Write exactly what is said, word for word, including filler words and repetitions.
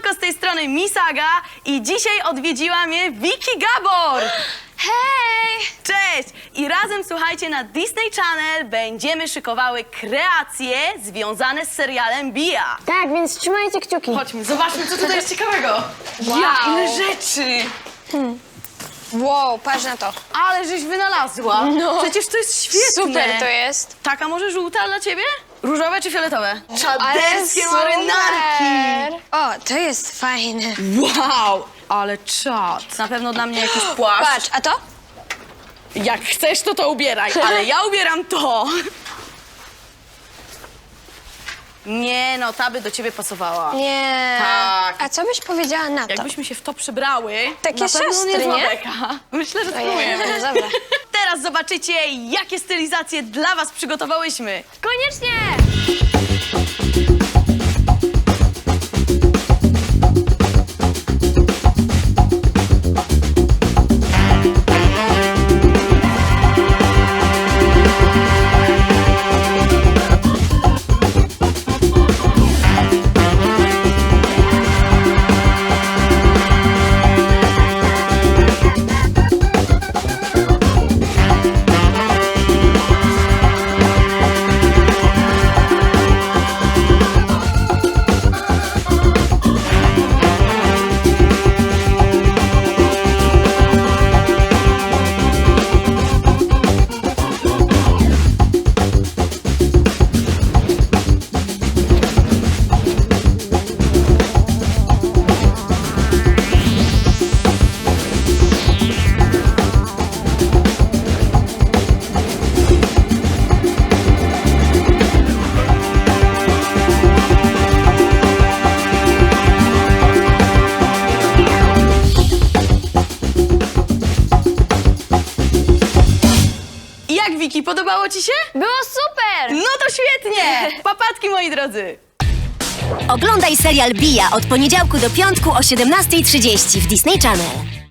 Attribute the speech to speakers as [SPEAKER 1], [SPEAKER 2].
[SPEAKER 1] Siemanko, z tej strony Misaga i dzisiaj odwiedziła mnie Vicky Gabor.
[SPEAKER 2] Hej!
[SPEAKER 1] Cześć! I razem, słuchajcie, na Disney Channel będziemy szykowały kreacje związane z serialem Bia.
[SPEAKER 3] Tak, więc trzymajcie kciuki.
[SPEAKER 1] Chodźmy, zobaczmy, co tutaj jest ciekawego.
[SPEAKER 2] Wow.
[SPEAKER 1] Ja, ile rzeczy!
[SPEAKER 2] Wow, patrz na to.
[SPEAKER 1] Ale żeś wynalazła.
[SPEAKER 2] No.
[SPEAKER 1] Przecież to jest świetne.
[SPEAKER 2] Super to jest.
[SPEAKER 1] Taka może żółta dla ciebie? Różowe czy fioletowe?
[SPEAKER 2] Ale
[SPEAKER 1] Czaderskie
[SPEAKER 2] super.
[SPEAKER 1] marynarki!
[SPEAKER 2] O, to jest fajne.
[SPEAKER 1] Wow! Ale czad. Na pewno dla mnie jakiś płaszcz.
[SPEAKER 2] Patrz, a to?
[SPEAKER 1] Jak chcesz, to to ubieraj, ale ja ubieram to. Nie no, ta by do ciebie pasowała.
[SPEAKER 2] Nie.
[SPEAKER 1] Tak.
[SPEAKER 2] A co byś powiedziała na to?
[SPEAKER 1] Jakbyśmy się w to przebrały,
[SPEAKER 2] Takie
[SPEAKER 1] na pewno
[SPEAKER 2] siostry,
[SPEAKER 1] niezła
[SPEAKER 2] nie?
[SPEAKER 1] beka. Myślę, że
[SPEAKER 2] Ojej,
[SPEAKER 1] spróbujemy.
[SPEAKER 2] no dobra.
[SPEAKER 1] Teraz zobaczycie, jakie stylizacje dla was przygotowałyśmy.
[SPEAKER 3] Koniecznie!
[SPEAKER 1] Jak, Wiki, podobało ci się?
[SPEAKER 3] Było super!
[SPEAKER 1] No to świetnie! Papatki, moi drodzy!
[SPEAKER 4] Oglądaj serial Bia od poniedziałku do piątku o siedemnastej trzydzieści w Disney Channel.